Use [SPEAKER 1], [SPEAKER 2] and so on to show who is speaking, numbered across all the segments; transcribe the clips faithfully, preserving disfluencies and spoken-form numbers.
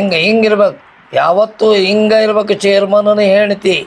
[SPEAKER 1] ಹಿಂಗ ಹಿಂಗಿರ್ಬೇಕು, ಯಾವತ್ತು ಹಿಂಗ ಇರ್ಬೇಕು. ಚೇರ್ಮನ್ ಹೇಳ್ತಿ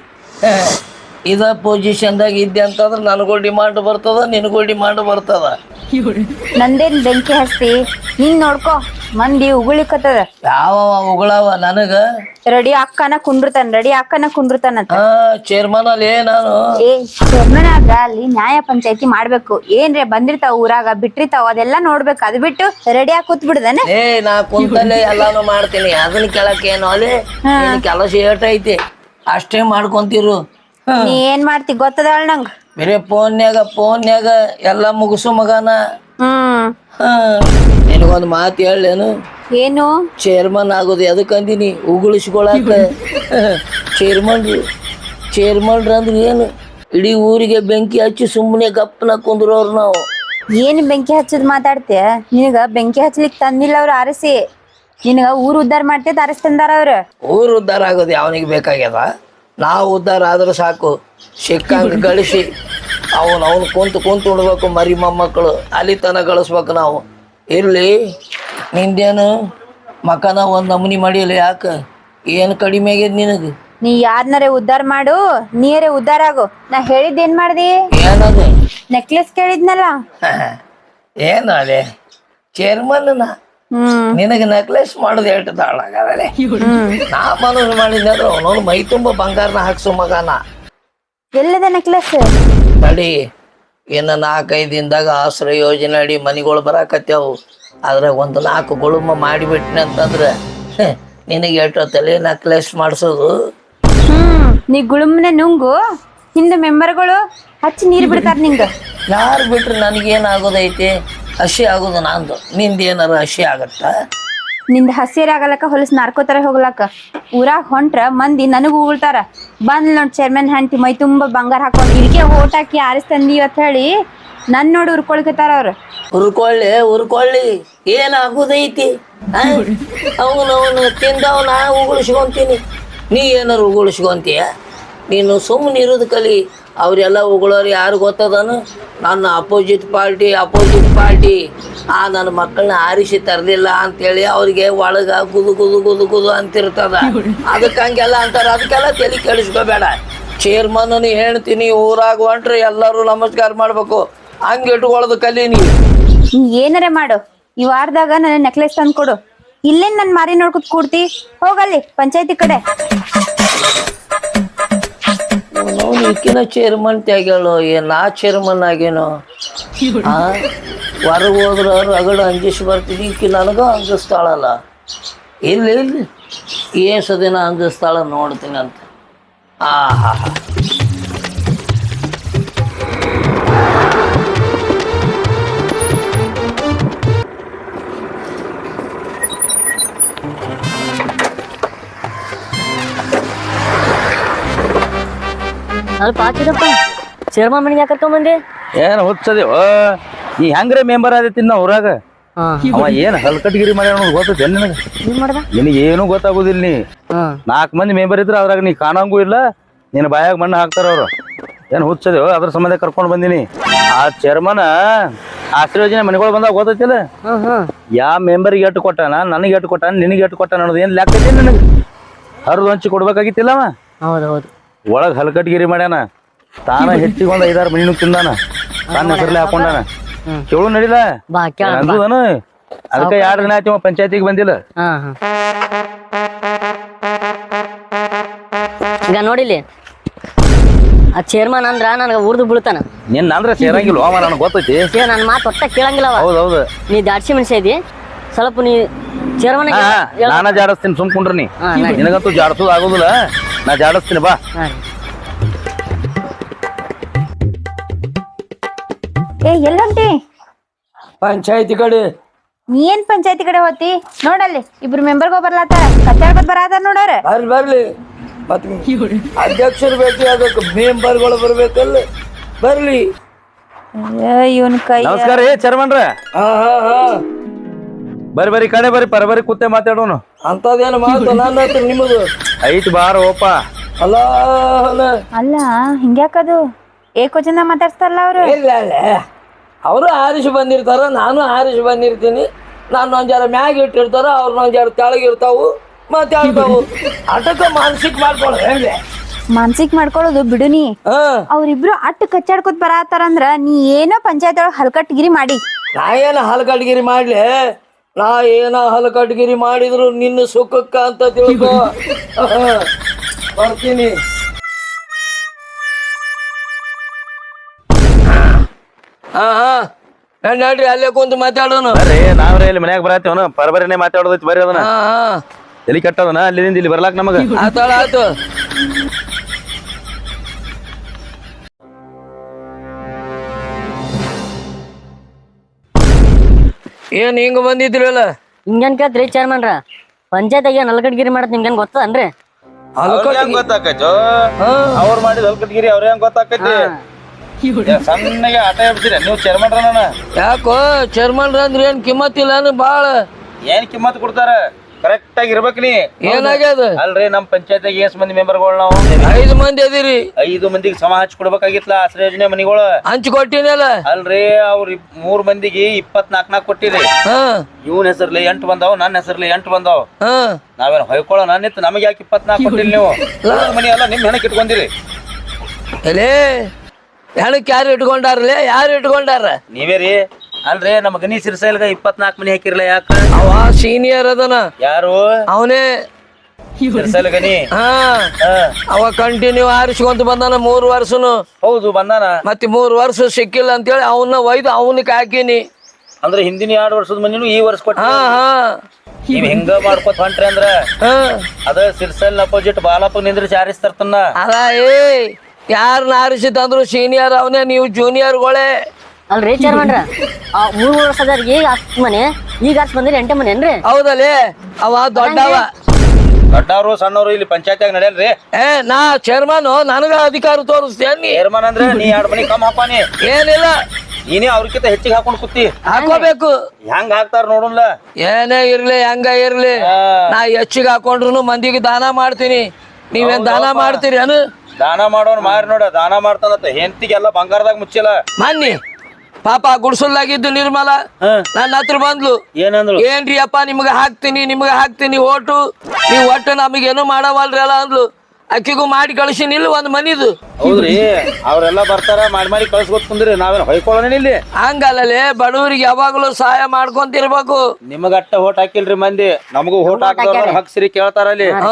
[SPEAKER 1] ಇದ ಪೊಸಿಷನ್ದಾಗ ಇದ್ದೆ ಅಂತಂದ್ರೆ ನನಗೂ ಡಿಮಾಂಡ್ ಬರ್ತದ, ನಿನಗೂ ಡಿಮಾಂಡ್ ಬರ್ತದ.
[SPEAKER 2] ನಂದೇನ್ ಬೆಂಕಿ ಹಸ್ತಿ, ನೀನ್ ನೋಡ್ಕೊ ಮಂದಿ ಉಗುಳಿಕತ್ತದ.
[SPEAKER 1] ಯಾವ ಉಗಳವ ನನಗ
[SPEAKER 2] ರೆಡಿ ಅಕ್ಕನ ಕುಂಡ್ರತಾನ ರೆಡಿ ಅಕ್ಕನ ಕುಂಡ್ರತಾನಂತ.
[SPEAKER 1] ಹಾ ಚೇರ್ಮನ್ ಅಲ್ಲಿ ನಾನು
[SPEAKER 2] ಏ ಚೇರ್ಮನ್ ಆಗ ಅಲ್ಲಿ ನ್ಯಾಯ ಪಂಚಾಯತಿ ಮಾಡ್ಬೇಕು. ಏನ್ರೆ ಬಂದಿರ್ತಾವ ಊರಾಗ ಬಿಟ್ಟಿರ್ತಾವ ಅದೆಲ್ಲಾ ನೋಡ್ಬೇಕು. ಅದ್ ಬಿಟ್ಟು ರೆಡಿ ಆಗಿ ಕೂತ್ ಬಿಡುದಾನೆ.
[SPEAKER 1] ಏ ನಾ ಕುಂತಲ್ಲೇ ಎಲ್ಲಾನು ಮಾಡ್ತೀನಿ, ಅದನ್ನ ಕೇಳಕ್ಕೇನು ಅಲ್ಲಿ ಕೆಲಸ ಏಟ್ ಐತಿ ಅಷ್ಟೇ ಮಾಡ್ಕೊಂತಿರು.
[SPEAKER 2] ನೀ ಏನ್ ಮಾಡ್ತಿ ಗೊತ್ತದಾಳ ನಂಗ.
[SPEAKER 1] ಬೇರೆ ಫೋನ್ಯಾಗ ಫೋನ್ಯಾಗ ಎಲ್ಲ ಮುಗಿಸು ಮಗನ.
[SPEAKER 2] ಹ್ಮ್
[SPEAKER 1] ಹಾ ನಿನಗೊಂದು ಮಾತು ಹೇಳೇನು?
[SPEAKER 2] ಏನು?
[SPEAKER 1] ಚೇರ್ಮನ್ ಆಗೋದು ಎದಕ್ಕಂದಿನಿ? ಉಗುಳಿಸ್ಕೊಳಕ. ಚೇರ್ಮನ್ ಚೇರ್ಮನ್ರ ಅಂದ್ರೆ ಏನು? ಇಡೀ ಊರಿಗೆ ಬೆಂಕಿ ಹಚ್ಚಿ ಸುಮ್ಮನೆ ಗಪ್ಪನ ಕುಂದ್ರೋರು ನಾವು.
[SPEAKER 2] ಏನ್ ಬೆಂಕಿ ಹಚ್ಚದ್ ಮಾತಾಡ್ತೀಯ? ನಿನಗ ಬೆಂಕಿ ಹಚ್ಲಿಕ್ ತಂದಿಲ್ಲ ಅವ್ರು ಆರಿಸಿ, ನಿನಗ ಊರ್ ಉದ್ದಾರ ಮಾಡ್ತೇತ್ ಆರಿಸಿ ತಂದಾರ ಅವ್ರ.
[SPEAKER 1] ಊರು ಉದ್ಧಾರ ಆಗೋದು ಯಾವನಿಗೆ ಬೇಕಾಗ್ಯದ? ನಾವು ಉದ್ಧಾರ ಆದ್ರೆ ಸಾಕು. ಸಿಕ್ಕಂಗೆ ಗಳಿಸಿ ಅವನು ಅವನು ಕುಂತು ಕುಂತು ಉಣ್ಬೇಕು. ಮರಿ ಮೊಮ್ಮಕ್ಕಳು ಅಲ್ಲಿ ತನಕ ಗಳಿಸ್ಬೇಕು ನಾವು. ಇರಲಿ ನಿಂದೇನು ಮಕನ ಒಂದು ನಮೂನಿ ಮಾಡಿಲ್ಲ, ಯಾಕೆ? ಏನು ಕಡಿಮೆ ಆಗ್ಯದ ನಿನಗೆ?
[SPEAKER 2] ನೀ ಯಾರನ್ನಾರೆ ಉದ್ದಾರ ಮಾಡು, ನೀರೇ ಉದ್ದಾರ ಆಗು. ನಾ ಹೇಳಿದ್ದೇನ್ ಮಾಡ್ದಿ?
[SPEAKER 1] ಏನದು?
[SPEAKER 2] ನೆಕ್ಲೆಸ್ ಕೇಳಿದ್ನಲ್ಲ.
[SPEAKER 1] ಏನು ಅದೇ ಚೇರ್ಮನ್
[SPEAKER 2] ಹ್ಮ್
[SPEAKER 1] ನಿನಗೆ ನೆಕ್ಲೆಸ್ ಮಾಡೋದು ಎಷ್ಟು ತಾಳಾಗದಲೆ? ನಾ ಮನಸ್ಸು ಮಾಡಿದ್ರೆ ಅವನವನು ಮೈ ತುಂಬ ಬಂಗಾರನ ಹಾಕ್ಸು ಮಗನ.
[SPEAKER 2] ಎಲ್ಲದ ನೆಕ್ಲೆಸ್?
[SPEAKER 1] ತಡಿ, ಇನ್ನು ನಾಲ್ಕೈದು ದಿನದಾಗ ಆಶ್ರಯ ಯೋಜನೆ ಅಡಿ ಮನೆಗಳು ಬರಾಕತ್ಯಾವು. ಆದ್ರೆ ಒಂದು ನಾಲ್ಕು ಗುಳುಮ ಮಾಡಿಬಿಟ್ನಿ ಅಂತಂದ್ರೆ ನಿನಗೆ ಎಷ್ಟು ತಲೆ ನೆಕ್ಲೆಸ್ ಮಾಡಿಸೋದು.
[SPEAKER 2] ಹ್ಮ್ ನೀ ಗುಳುಮ್ನೆ ನುಂಗು, ಹಿಂದೆ ಮೆಂಬರ್ಗಳು ಹಚ್ಚಿ ನೀರ್ ಬಿಡ್ತಾರ ನಿಂಗ.
[SPEAKER 1] ಯಾರು ಬಿಟ್ರೆ ನನಗೇನಾಗೋದೈತಿ? ಹಸಿ ಆಗೋದು ನಂದು, ನಿಂದ ಏನಾರು ಹಸಿ ಆಗತ್ತ?
[SPEAKER 2] ನಿಂದ ಹಸಿರ ಆಗಲಕ್ಕ ಹೊಲಸ್ ನಾರ್ಕೋತಾರ ಹೋಗ್ಲಕ್ಕ. ಊರಾಗ ಹೊಂಟ್ರ ಮಂದಿ ನನಗ ಉಗುಳ್ತಾರ. ಬಂದ್ ನೋಡ್ ಚೇರ್ಮನ್ ಹ್ಯಾಂಟಿ ಮೈ ತುಂಬಾ ಬಂಗಾರ ಹಾಕೊಂಡ್ ಇದಕ್ಕೆ ಓಟ್ ಹಾಕಿ ಆರಿಸ್ತಂದಿ ಅಂತ ಹೇಳಿ ನನ್ ನೋಡಿ ಉರ್ಕೊಳ್ಕತಾರ ಅವ್ರು.
[SPEAKER 1] ಉರ್ಕೊಳ್ಳಿ ಉರ್ಕೊಳ್ಳಿ, ಏನಾಗೋದೈತಿ? ಅವನು ಅವನು ತಿಂದವ್ ನಾ ಉಗುಳಿಸ್ಕೊಂತೀನಿ, ನೀ ಏನಾರು ಉಗುಳಿಸ್ಕೊಂತೀಯ? ನೀನು ಸುಮ್ಮನೆ ಇರೋದು ಕಲಿ. ಅವರೆಲ್ಲ ಉಗುಳೋರು ಯಾರು ಗೊತ್ತದನು? ನನ್ನ ಅಪೋಸಿಟ್ ಪಾರ್ಟಿ ಅಪೋಸಿಟ್ ಪಾರ್ಟಿ ಆ ನನ್ನ ಮಕ್ಕಳನ್ನ ಆರಿಸಿ ತರಲಿಲ್ಲ ಅಂತೇಳಿ ಅವ್ರಿಗೆ ಒಳಗ ಗುದು ಗುದು ಗುದು ಗುದು ಅಂತಿರ್ತದ. ಅದಕ್ಕೆ ಹಂಗೆಲ್ಲ ಅಂತಾರೆ. ಅದಕ್ಕೆಲ್ಲ ತಲೆ ಕೆಡಿಸ್ಕೋಬೇಡ. ಚೇರ್ಮನ್ ಹೇಳ್ತೀನಿ, ಊರಾಗ ಹೊಂಟ್ರೆ ಎಲ್ಲರೂ ನಮಸ್ಕಾರ ಮಾಡ್ಬೇಕು. ಹಂಗೆ ಇಟ್ಕೊಳ್ಳೋದು ಕಲಿ ನೀ.
[SPEAKER 2] ನೀ ಏನಾರ ಮಾಡು, ಈ ವಾರದಾಗ ನನ್ನ ನೆಕ್ಲೆಸ್ ತಂದು ಕೊಡು. ಇಲ್ಲೇನ್ ನನ್ ಮಾರಿ ನೋಡ್ಕೊತ್ ಕೂಡ್ತಿ? ಹೋಗಲ್ಲಿ ಪಂಚಾಯತಿ ಕಡೆ.
[SPEAKER 1] ನಾವು ಈಕಿನ ಚೇರ್ಮನ್ ತ್ಯಾಗ್ಯಾಳು, ಏನ್ ನಾ ಚೇರ್ಮನ್ ಆಗೇನೋ? ಆ ಹೊರಗೆ ಹೋದ್ರ ರಗಡ ಅಂಜಿಸಿ ಬರ್ತಿದ್ವಿ. ಈಕಿ ನನಗ ಅಂಜಿಸ್ತಾಳಲ್ಲ. ಇಲ್ಲಿ ಇಲ್ಲಿ ಏಸು ದಿನ ಅಂಜಿಸ್ತಾಳ ನೋಡ್ತೀನಿ ಅಂತ. ಆ ಹಾ ಹಾ
[SPEAKER 3] ಅಲ್ಪ ಹಾಕಿದಪ್ಪ ಚೇರ್ಮನ್ ಮನೆಗೆ ಯಾಕೆ ಕರ್ಕೊಂಬಂದಿ?
[SPEAKER 4] ಏನು ಹುಚ್ಚದೇವ ನೀ ಹೆಂಗ್ರೆ ಮೆಂಬರ್ ಆದೈತಿ ನಾ ಊರಾಗ. ಅವ ಏನ್ ಹಲ್ಕಟ್ಗಿರಿ ಮಾಡ್ಯಾನ ಅನ್ನೋದು ಗೊತ್ತೈತೆ ನಿನಗೆ? ನಿನಗೆ ಏನು ಗೊತ್ತಾಗುದಿಲ್ಲ. ನೀ ನಾಲ್ಕು ಮಂದಿ ಮೆಂಬರ್ ಇದ್ರ ಅದ್ರಾಗ ನೀ ಕಾಣಂಗೂ ಇಲ್ಲ, ನಿನ್ನ ಬಾಯಾಗ ಮಣ್ಣು ಹಾಕ್ತಾರ ಅವ್ರು. ಏನು ಹುಚ್ಚದೇವ ಅದ್ರ ಸಂಬಂಧ ಕರ್ಕೊಂಡು ಬಂದಿನಿ. ಆ ಚೇರ್ಮನ್ ಆಶ್ರಯ ಯೋಜನೆ ಮನೆಗಳು ಬಂದಾಗ ಗೊತ್ತೈತಿಲ್ಲ, ಯಾವ ಮೆಂಬರ್ಗೆ ಎಟ್ಟು ಕೊಟ್ಟಾನ, ನನಗೆ ಎಟ್ಟು ಕೊಟ್ಟಾನ, ನಿನಗೆ ಎಟ್ಟು ಕೊಟ್ಟಾನ ಅನ್ನೋದು ಏನು ಲೆಕ್ಕ ಐತಿ ನನಗೆ? ಹರಿದು ಹಂಚಿ ಕೊಡ್ಬೇಕಾಗಿತ್ತಿಲ್ಲವ.
[SPEAKER 3] ಹೌದೌದು.
[SPEAKER 4] ಒಳಗ್ ಹಲ್ಕಟ್ಗಿರಿ ಮಾಡ್ಯಾನ, ತಾನ ಹೆಚ್ಚಿಗೆ ಒಂದ್ ಐದಾರು ಮಣಿನೂ ತಿಂದಾನ, ತಾನ ಹೆಸರ್ಲೆ ಹಾಕೊಂಡಾನ. ಕೇಳು ನಡಿಲ ಅಂದನು. ಅದಕ್ಕೆ ಎರಡು ದಿನ ಆಯ್ತು ಪಂಚಾಯತಿಗೆ ಬಂದಿಲ್ಲ.
[SPEAKER 3] ಈಗ ನೋಡಿಲಿ, ಆ ಚೇರ್ಮನ್ ಅಂದ್ರ ನನಗೆ ಉರ್ದು ಬೀಳ್ತಾನ.
[SPEAKER 4] ನಿನ್ನ ಅಂದ್ರೆ ಸೇರಂಗಿಲ್ಲ ಅವ, ನನಗೆ ಗೊತ್ತೈತಿ.
[SPEAKER 3] ನನ್ನ ಮಾತು ಒಟ್ಟ ಕೇಳಂಗಿಲ್ಲ.
[SPEAKER 4] ಹೌದೌದು,
[SPEAKER 3] ನೀ ದಾಡ್ಸಿ ಮನುಷ್ಯ ಇದಿ. ಸ್ವಲ್ಪ ನೀ ಚೇರ್ಮನ್
[SPEAKER 4] ನಾನ ಜಾಡಿಸ್ತೀನಿ, ಸುಮ್ಕೊಂಡ್ರಿ. ನೀ ನಿನಗಂತೂ ಜಾಡಿಸೋದು ಆಗೋದಿಲ್ಲ, ನಾ ಜಾಡಿಸ್ತೀನಿ ಬಾ.
[SPEAKER 2] ಏ ಎಲ್ಲಂಟಿ?
[SPEAKER 1] ಪಂಚಾಯತಿ ಕಡೆ.
[SPEAKER 2] ನೀ ಏನ್ ಪಂಚಾಯತಿ ಕಡೆ ಹೋತಿ? ನೋಡಲ್ಲಿ ಇಬ್ರು ಮೆಂಬರ್ಗೋ ಬರ್ಲಾತಾರ, ಕತ್ತಾಡ್ಕೊತ್ ಬರಾತಾರ ನೋಡಾರ.
[SPEAKER 1] ಬರ್ಲಿ ಬರ್ಲಿ, ಮತ್ ಅಧ್ಯಕ್ಷರು ಭೇಟಿ ಆಗಬೇಕು, ಮೆಂಬರ್ಗಳು ಬರ್ಬೇಕಲ್ಲ. ಬರ್ಲಿ.
[SPEAKER 2] ಇವನ್ ಕೈ
[SPEAKER 4] ನಮಸ್ಕಾರ ರೀ ಚೇರ್ಮನ್ರ.
[SPEAKER 1] ಹಾ ಹಾ ಹಾ
[SPEAKER 4] ಬರಿ ಬರಿ ಕಡೆ ಬರಿ ಪರ ಬರಿ ಕೂತೆ ಮಾತಾಡೋನು.
[SPEAKER 1] ಅಂತದೇನು ಮಾತು ನನ್ನ ಹತ್ರ ನಿಮ್ಮದು
[SPEAKER 4] ಐತ್ ಬಾರ ಓಪ.
[SPEAKER 1] ಅಲ್ಲ
[SPEAKER 2] ಅಲ್ಲ ಹಿಂಗ್ಯಾಕದು ಏಕೋಚನ ಮಾತಾಡ್ಸ್ತಾರಲ್ಲ ಅವ್ರು?
[SPEAKER 1] ಇಲ್ಲ ಅಲ್ಲ, ಅವರು ಆರಿಸಿ ಬಂದಿರ್ತಾರ, ನಾನು ಆರಿಸಿ ಬಂದಿರ್ತೀನಿ. ನಾನು ಒಂದ್ ಜರ ಮ್ಯಾಗ ಇಟ್ಟಿರ್ತಾರ, ಅವ್ರನ್ನ ಒಂದ್ ಜರ ತೆಳಗಿರ್ತಾವು. ಮಾತಾಡ್ತಾವು ಅಟಕ ಮಾನಸಿಕ ಮಾಡ್ಕೊಳ ಹೇಳಿ
[SPEAKER 2] ಮಾನಸಿಕ ಮಾಡ್ಕೊಳ್ಳೋದು ಬಿಡುನಿ.
[SPEAKER 1] ಹಾ
[SPEAKER 2] ಅವ್ರಿಬ್ರು ಅಟ್ಟು ಕಚ್ಚಾಡ್ಕೊತ್ ಬರತ್ತಾರಂದ್ರ ನೀ ಏನೋ ಪಂಚಾಯತ್ ಒಳಗ್ ಹಲ್ಕಟ್ಗಿರಿ ಮಾಡಿ.
[SPEAKER 1] ನಾ ಏನ ಹಲಕಟ್ಗಿರಿ ಮಾಡ್ಲಿ? ನಾ ಏನ ಹಲಕಟ್ಗಿರಿ ಮಾಡಿದ್ರು ನಿನ್ನ ಸುಖಕ್ಕ ಅಂತ ತಿಳ್ಕೊ. ಬರ್ತೀನಿ. ಹಾ ಹಾ ನಡ್ರಿ ಅಲ್ಲೇ ಕುಂತು ಮಾತಾಡೋನು.
[SPEAKER 4] ಬರ್ರಿ ನಾವ್ರೆ ಇಲ್ಲಿ ಮನ್ಯಾಗ ಬರತ್ತೇವನ ಪರಬರನೆ ಮಾತಾಡೋದೈತಿ ಬರ್ರಿ ಅದನ್ನ.
[SPEAKER 1] ಹಾ ಹಾ
[SPEAKER 4] ಎಲ್ಲಿ ಕಟ್ಟೋದನ ಅಲ್ಲಿಂದ ಇಲ್ಲಿ ಬರ್ಲಾಕ್ ನಮಗ.
[SPEAKER 1] ಆತಾಳ ಆತು. ಏನ್ ಹಿಂಗ ಬಂದಿದ್ರಲ್ಲ?
[SPEAKER 3] ಹಿಂಗೇನ್ ಕೇಳ್ತ್ರಿ ಚೇರ್ಮನ್ರ? ಪಂಚಾಯತ್ಗೆ ನಲ್ಗಡ್ಗಿರಿ ಮಾಡತ್ ನಿಮ್ಗೇನ್ ಗೊತ್ತದನ್ರಿ?
[SPEAKER 4] ಗೊತ್ತಾಕೈತೋ ಅವ್ರ ಮಾಡಿದ ಹಲ್ಕಟ್ಗಿರಿ ಅವ್ರ ಹೆಂಗ್ ಗೊತ್ತಾಕೈತಿ? ಸಣ್ಣಗೆ ಆಟ ಎಬ್ಸಿರಿ ನೀವು ಚೇರ್ಮನ್ರ. ನಾನು
[SPEAKER 1] ಯಾಕೋ ಚೇರ್ಮನ್ರ ಅಂದ್ರೆ ಏನ್ ಕಿಮ್ಮತ್ ಇಲ್ಲ ಬಾಳ?
[SPEAKER 4] ಏನ್ ಕಿಮ್ಮತ್ ಕೊಡ್ತಾರ? ಕರೆಕ್ಟ್ ಆಗಿ ಇರ್ಬೇಕ್ ನೀ.
[SPEAKER 1] ಏನಾಗ್ಯದ?
[SPEAKER 4] ಅಲ್ರಿ ನಮ್ ಪಂಚಾಯತ್ಗೆ ಎಷ್ಟ್ ಮಂದಿ ಮೆಂಬರ್ಗಳು ನಾವು?
[SPEAKER 1] ಐದು ಮಂದಿ ಅದಿರಿ.
[SPEAKER 4] ಐದು ಮಂದಿಗೆ ಸಮ ಹಚ್ಚಿ ಕೊಡ್ಬೇಕಾಗಿತ್ಲ ಆಶ್ರಯ ಯೋಜನೆ ಮನಿಗಳು.
[SPEAKER 1] ಹಂಚ್ ಕೊಟ್ಟಿನಲ್ಲ.
[SPEAKER 4] ಅಲ್ರಿ ಅವ್ರ ಮೂರ್ ಮಂದಿಗೆ ಇಪ್ಪತ್ನಾಕ್ ನಾಕ್ ಕೊಟ್ಟಿರಿ.
[SPEAKER 1] ಹಾ
[SPEAKER 4] ಇವನ್ ಹೆಸರ್ಲಿ ಎಂಟು ಬಂದಾವ್, ನನ್ನ ಹೆಸರ್ಲಿ ಎಂಟು ಬಂದಾವ್.
[SPEAKER 1] ಹಾ
[SPEAKER 4] ನಾವೇನ್ ಹೊಯ್ಕೊಳ್ಳೋ ನಾನಿತ್ತು ನಮಗೆ ಯಾಕೆ ಇಪ್ಪತ್ನಾಕ್ ಕೊಟ್ಟಿಲ್ಲ ನೀವು? ಮನಿ ಎಲ್ಲ ನಿಮ್ ಹೆಣಕ್ ಇಟ್ಕೊಂಡಿರಿ.
[SPEAKER 1] ಎಲೇ ಹೆಣಕ್ ಯಾರು ಇಟ್ಕೊಂಡಾರಲೇ? ಯಾರು ಇಟ್ಕೊಂಡಾರ?
[SPEAKER 4] ನೀವೇ ರೀ. ಅಲ್ರಿ ನಮ್ ಗಣಿ ಸಿರ್ಸೈಲ್ಗ ಇಪ್ಪತ್ನಾಕ್ ಮನಿ ಹಾಕಿರ್ಲ ಯಾಕ?
[SPEAKER 1] ಅವ ಸೀನಿಯರ್ ಅದನ.
[SPEAKER 4] ಯಾರು?
[SPEAKER 1] ಅವನೇ
[SPEAKER 4] ಸಿರ್ಸೈಲ್ ಗಣಿ.
[SPEAKER 1] ಹಾ ಅವ ಕಂಟಿನ್ಯೂ ಆರಿಸ್ಕೊಂತ ಬಂದಾನ ಮೂರ್ ವರ್ಷನು.
[SPEAKER 4] ಹೌದು ಬಂದಾನ.
[SPEAKER 1] ಮತ್ತೆ ಮೂರ್ ವರ್ಷ ಸಿಕ್ಕಿಲ್ಲ ಅಂತೇಳಿ ಅವನ್ನ ಒಯ್ದು ಅವನಿಗೆ ಹಾಕಿನಿ.
[SPEAKER 4] ಅಂದ್ರೆ ಹಿಂದಿನ ಎರಡು ವರ್ಷದ ಮನಿನು ಈ ವರ್ಷ ಕೊಟ್ಟ.
[SPEAKER 1] ಹಾ ಹಾ
[SPEAKER 4] ನೀವ್ ಹಿಂಗ ಮಾಡ್ಕೊತ ಹೊಂಟ್ರಿ ಅಂದ್ರ
[SPEAKER 1] ಹಾ
[SPEAKER 4] ಅದ ಸಿರ್ಸೈಲ್ ಅಪೋಸಿಟ್ ಬಾಲಪ್ಪ ನಿಂದ್ರಿಸಿ ಆರಿಸ್ತಾರ್ತನ್ನ.
[SPEAKER 1] ಅಲ್ಲ ಏ ಯಾರನ್ನ ಆರಿಸಿದಂದ್ರು ಸೀನಿಯರ್ ಅವನೇ, ನೀವು ಜೂನಿಯರ್ಗಳೇ.
[SPEAKER 3] ಅಲ್ರಿ ಚೇರ್ಮನ್ರ, ಆ ಮೂರ್ ಮೂರ್ ವರ್ಷದ ಈಗ ಹತ್ ಮನೆ, ಈಗ ಹತ್ ಬಂದಿರಿ ಎಂಟೆ ಮನೆ ಏನ್ರಿ?
[SPEAKER 1] ಹೌದಲ್ಲೇ ಅವ ದೊಡ್ಡವ.
[SPEAKER 4] ದೊಡ್ಡವ್ರು ಸಣ್ಣವ್ರು ಇಲ್ಲಿ ಪಂಚಾಯತ್ಯಾಗ ನಡೆಯಲ್ರಿ.
[SPEAKER 1] ಏ ನಾ ಚೇರ್ಮನ್, ನನಗ ಅಧಿಕಾರ ತೋರಿಸ್ತೇನಿ.
[SPEAKER 4] ಚೇರ್ಮನ್ ಅಂದ್ರೆ ನೀ ಎರಡ್ ಮನಿ ಕಮ್ ಹಾಕೋನಿ.
[SPEAKER 1] ಏನಿಲ್ಲ
[SPEAKER 4] ನೀನೇ ಅವ್ರಕ್ಕಿಂತ ಹೆಚ್ಚಿಗೆ ಹಾಕೊಂಡ್ ಕೂತಿ.
[SPEAKER 1] ಹಾಕೋಬೇಕು.
[SPEAKER 4] ಹೆಂಗ್ ಹಾಕ್ತಾರ ನೋಡಲ್ಲ.
[SPEAKER 1] ಏನೇ ಇರ್ಲಿ ಹೆಂಗ ಇರ್ಲಿ, ನಾ ಹೆಚ್ಚಿಗೆ ಹಾಕೊಂಡ್ರು ಮಂದಿಗೆ ದಾನ ಮಾಡ್ತೀನಿ. ನೀವೇನ್ ದಾನ ಮಾಡ್ತೀರಿ ಅನು?
[SPEAKER 4] ದಾನ ಮಾಡೋನ್ ಮಾರಿ ನೋಡ, ದಾನ ಮಾಡ್ತಾನತ್ತ ಹೆಂಡತಿಗೆಲ್ಲ ಬಂಗಾರದಾಗ ಮುಚ್ಚಿಲ್ಲ.
[SPEAKER 1] ಮನ್ನಿ ಪಾಪ ಗುಡ್ಸಲ್ಲಾಗಿದ್ದು ನಿರ್ಮಲ ನನ್ನ ಹತ್ರ ಬಂದ್ಲು.
[SPEAKER 4] ಏನಂದ್ರು?
[SPEAKER 1] ಏನ್ರಿ ಅಪ್ಪ ನಿಮ್ಗ ಹಾಕ್ತೀನಿ ನಿಮ್ಗ ಹಾಕ್ತೀನಿ ಓಟು, ನೀವ್ ಒಟ್ಟು ನಮಗೇನು ಮಾಡವಲ್ರಿ ಅಲ್ಲ ಅಂದ್ಲು. ಅಕ್ಕಿಗೂ ಮಾಡಿ ಕಳ್ಸಿನಿಲ್ಲ ಒಂದ್ ಮನಿದು.
[SPEAKER 4] ಹೌದ್ರಿ, ಅವ್ರೆಲ್ಲಾ ಬರ್ತಾರ ಮಾಡಿ ಮಾಡಿ ಕಳ್ಸ್ಕೊತ್ ಕುಂದ್ರಿ, ನಾವೇನ್ ಹೊಯ್ಕೊಳ್ಳೋಣ ಇಲ್ಲಿ?
[SPEAKER 1] ಹಂಗಲ್ಲೇ ಬಡವರಿಗೆ ಯಾವಾಗ್ಲೂ ಸಹಾಯ ಮಾಡ್ಕೊಂತಿರ್ಬೇಕು.
[SPEAKER 4] ನಿಮಗ ಅಟ್ಟ ಹೋಟ್ ಹಾಕಿಲ್ರಿ ಮಂದಿ, ನಮಗೂ ಹೋಟ್ ಹಾಕಿದವ್ರ ಹಕ್ಸಿರಿ ಕೇಳ್ತಾರ ಅಲ್ಲಿ.
[SPEAKER 1] ಹಾ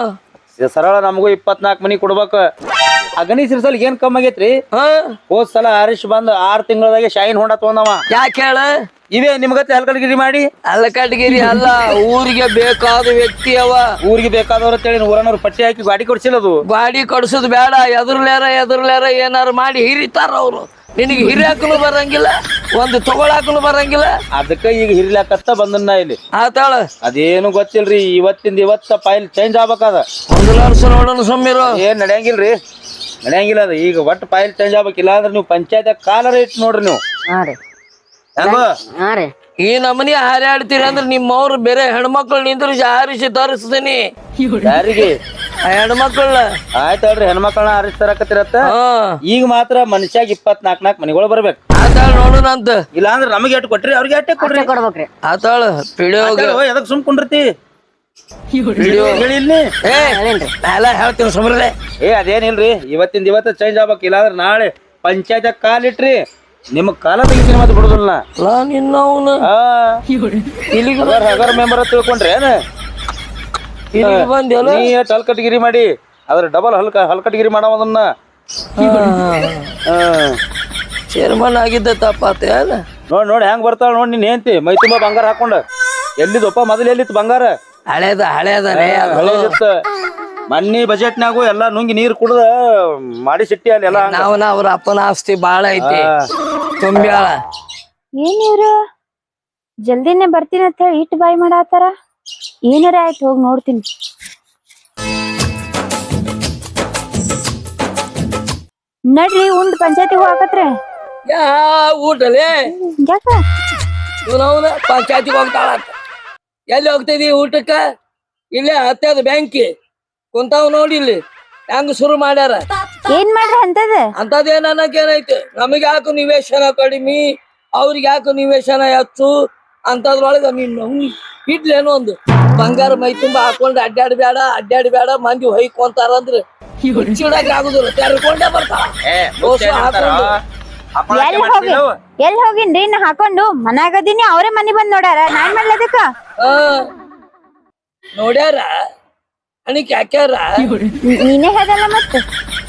[SPEAKER 4] ಸರಳ ನಮಗೂ ಇಪ್ಪತ್ನಾಕ್ ಮನಿ ಕೊಡ್ಬೇಕು. ಅಗನಿ ಸಿರ್ಸಲ್ ಏನ್ ಕಮ್ಮಿ ಆಗೇತ್ರಿ? ಹೋದ್ ಸಲ ಹರೀಶ್ ಬಂದ್ ಆರ್ ತಿಂಗಳದಾಗೆ ಶೈನ್ ಹೊಂಡ ತಗೊಂಡವ.
[SPEAKER 1] ಯಾಕೆ ಹೇಳ?
[SPEAKER 4] ಇವೇ ನಿಮ್ಗತ್ತೆ ಹಲ್ಕಟ್ಗಿರಿ ಮಾಡಿ.
[SPEAKER 1] ಹಲ್ಕಟ್ಗಿರಿ ಅಲ್ಲ, ಊರಿಗೆ ಬೇಕಾದ ವ್ಯಕ್ತಿ ಅವ.
[SPEAKER 4] ಊರಿಗೆ ಬೇಕಾದವ್ರ ಅಂತೇಳಿ ಊರನವ್ರು ಪಟ್ಟಿ ಹಾಕಿ ಗಾಡಿ ಕೊಡ್ಸಿಲ್ಲದು.
[SPEAKER 1] ಗಾಡಿ ಕೊಡ್ಸೋದ್ ಬೇಡ, ಎದುರ್ಲ್ಯಾರ ಎದುರ್ಲ್ಯಾರ ಏನಾರು ಮಾಡಿ ಹಿರಿತಾರ ಅವ್ರು. ನಿನಗೆ ಹಿರಿಯಾಕನು ಬರಂಗಿಲ್ಲ, ಒಂದು ತಗೊಳಾಕನು ಬರಂಗಿಲ್ಲ.
[SPEAKER 4] ಅದಕ್ಕ ಈಗ ಹಿರಿಲಾಕತ್ತ ಬಂದನ್ನ ಇಲ್ಲಿ.
[SPEAKER 1] ಆತಾಳ
[SPEAKER 4] ಅದೇನು ಗೊತ್ತಿಲ್ರಿ, ಇವತ್ತಿಂದ ಇವತ್ತ ಫೈಲ್ ಚೇಂಜ್ ಆಗ್ಬೇಕದ.
[SPEAKER 1] ಒಂದು ವರ್ಷ ನೋಡೋಣ ಸುಮ್ಮಿರು.
[SPEAKER 4] ಏನ್ ನಡೆಯಂಗಿಲ್ರಿ, ನಡೆಯಂಗಿಲ್ಲ ಅದ. ಈಗ ಒಟ್ಟು ಫೈಲ್ ಚೇಂಜ್ ಆಗ್ಬೇಕಿಲ್ಲ ಅಂದ್ರೆ ನೀವು ಪಂಚಾಯತ್ ಕಾಲರ ಇಟ್ಟು ನೋಡ್ರಿ ನೀವು.
[SPEAKER 3] ಹಾ ರೀ
[SPEAKER 4] ಹೆಂಗೋ
[SPEAKER 3] ಹಾ ರೀ
[SPEAKER 1] ಈ ನಮನಿ ಹಾರಾಡ್ತೀರಿ ಅಂದ್ರೆ ನಿಮ್ಮವ್ರು ಬೇರೆ ಹೆಣ್ಮಕ್ಳು ನಿಂದ್ರು ಹಾರಿಸಿ ತರಿಸ್ತೀನಿ.
[SPEAKER 4] ಯಾರಿಗೆ?
[SPEAKER 1] ಹೆಣ್ಮಕ್ಳ.
[SPEAKER 4] ಆಯ್ತಲ್ರಿ, ಹೆಣ್ಮಕ್ಳನ್ನ ಹಾರಿಸ್ತಾರಕತ್ತಿರತ್ತ. ಈಗ ಮಾತ್ರ ಮನುಷ್ಯಾಗ ಇಪ್ಪತ್ನಾಕ್ ನಾಕ್ ಮನಿಗಳು ಬರ್ಬೇಕು.
[SPEAKER 1] ಆತಾಳ ನೋಡೋಣ ಅಂತ.
[SPEAKER 4] ಇಲ್ಲ ಅಂದ್ರೆ ನಮಗೆ ಎಟ್ಟು ಕೊಟ್ರಿ, ಅವ್ರಿಗೆ ಎಟ್ಟೆ ಕೊಡ್ರಿ.
[SPEAKER 3] ಕೊಡ್ಬೇಕ್ರಿ.
[SPEAKER 1] ಆತಾಳ ಪಿಡಿಯೋಗ
[SPEAKER 4] ಎದಕ್ ಸುಮ್ ಕುಂಡಿರ್ತಿ? ಹೇಳಿಲ್ನಿ
[SPEAKER 1] ಏ ಎಲ್ಲ ಹೇಳ್ತೀನಿ ಸುಮ್ರಲೆ.
[SPEAKER 4] ಏ ಅದೇನಿಲ್ರಿ, ಇವತ್ತಿಂದ ಇವತ್ತ ಚೇಂಜ್ ಆಗ್ಬೇಕು. ಇಲ್ಲಾಂದ್ರೆ ನಾಳೆ ಪಂಚಾಯತ್ ಕಾಲಿಟ್ರಿ ನಿಮ್ ಕಾಲ ತೆಗಿತೀನಿ ಮತ್ತೆ ಬಿಡುದಿಲ್ಲ.
[SPEAKER 1] ನಿನ್ನವನು
[SPEAKER 4] ಇಲ್ಲಿಗೆ ಹಗರ್ ಮೆಂಬರ್ ತಿಳ್ಕೊಂಡ್ರಿ ಏನ?
[SPEAKER 1] ಬಂದೆಲ್ಲ
[SPEAKER 4] ನೀ ಎಷ್ಟ್ ಹಲ್ಕಟ್ಗಿರಿ ಮಾಡಿ ಅದ್ರ ಡಬಲ್ ಹಲ್ಕ ಹಲ್ಕಟ್ಗಿರಿ ಮಾಡವದನ್ನ.
[SPEAKER 1] ಚೇರ್ಮನ್ ಆಗಿದ್ದ ತಪ್ಪಾತ ಅಲ್ಲ.
[SPEAKER 4] ನೋಡ್ ನೋಡಿ ಹೆಂಗ್ ಬರ್ತಾಳ ನೋಡ್ ನಿನ್ ಹೆಂಡ್ತಿ ಮೈ ತುಂಬಾ ಬಂಗಾರ ಹಾಕೊಂಡ. ಎಲ್ಲಿದಪ್ಪ ಮೊದಲು ಎಲ್ಲಿತ್ತು ಬಂಗಾರ?
[SPEAKER 1] ಹಳೇದ ಹಳೇದನೇ
[SPEAKER 4] ಹಳೇದಿತ್ತು. ಮನ್ನಿ ಬಜೆಟ್ನಾಗು ಎಲ್ಲಾ ನುಂಗಿ ನೀರ್ ಕುಡ್ದ ಮಾಡಿ ಸಿಟ್ಟಿ ಅಲ್ಲಿ ಎಲ್ಲ.
[SPEAKER 1] ನಾವನ ಅವ್ರ ಅಪ್ಪನ ಆಸ್ತಿ ಬಾಳ ಐತಿ ತುಂಬ್ಯಾಳ.
[SPEAKER 2] ಏನ್ ಇವ್ರು ಜಲ್ದಿನೇ ಬರ್ತೀನಿ ಅಂತ ಹೇಳಿ ಇಟ್ಟು ಬಾಯ್ ಮಾಡಾತಾರ. ಏನಾರ ಆಯ್ತು ಹೋಗಿ ನೋಡ್ತೀನಿ. ನಡ್ರಿ ಉಂಡ್ ಪಂಚಾಯತಿಗೆ ಹೋಗತ್ರೆ.
[SPEAKER 1] ಯಾ ಊಟಲೇ
[SPEAKER 2] ಯಾಕ
[SPEAKER 1] ಇವನವನ ಪಂಚಾಯತಿಗೆ ಹೋಗ್ತಾಳ. ಎಲ್ಲಿ ಹೋಗ್ತಿದಿ ಊಟಕ್ಕ? ಇಲ್ಲೇ ಹತ್ತದ ಬ್ಯಾಂಕಿ ಕುಂತಾವ್ ನೋಡಿ ಇಲ್ಲಿ ಹೆಂಗ ಶುರು ಮಾಡ್ಯಾರ.
[SPEAKER 2] ಏನ್ ಮಾಡ್ರಿ ಅಂತದ?
[SPEAKER 1] ಅಂತದೇನ್ ಅನ್ನಕ್ ಏನೈತಿ? ನಮಗ್ ಯಾಕೆ ನಿವೇಶನ ಕಡಿಮೆ, ಅವ್ರಿಗೆ ಯಾಕೆ ನಿವೇಶನ ಹೆಚ್ಚು ಅಂತದ್ರೊಳಗ ನೀನ್ ಇಡ್ಲೇನೋ ಒಂದು ಬಂಗಾರ ಮೈ ತುಂಬಾ ಹಾಕೊಂಡ್ ಅಡ್ಡಾಡ್ಬೇಡ ಅಡ್ಡಾಡ್ಬೇಡ ಮಂದಿ ಹೊಯ್ಕೊಂತಾರ ಅಂದ್ರೆ ಚಿಡಕ್ ಆಗುದಿಲ್ಲ ತೆರ್ಕೊಂಡೇ ಬರ್ತಾವ
[SPEAKER 2] ಎಲ್ಲಿ ಹೋಗಿ ಎಲ್ಲಿ ಹೋಗಿನ್ರಿ ನಾ ಹಾಕೊಂಡು ಮನ್ಯಾಗದೀನಿ ಅವ್ರೇ ಮನಿ ಬಂದ್ ನೋಡ್ಯಾರ ನಾನ್ ಮಾಡ್ಲದಕ್ಕ
[SPEAKER 1] ಆ ನೋಡ್ಯಾರ ಅಣಿಕೆ ಹಾಕ್ಯಾರ
[SPEAKER 2] ನೀನೇ ಹೇಳಲ್ಲ ಮತ್ತ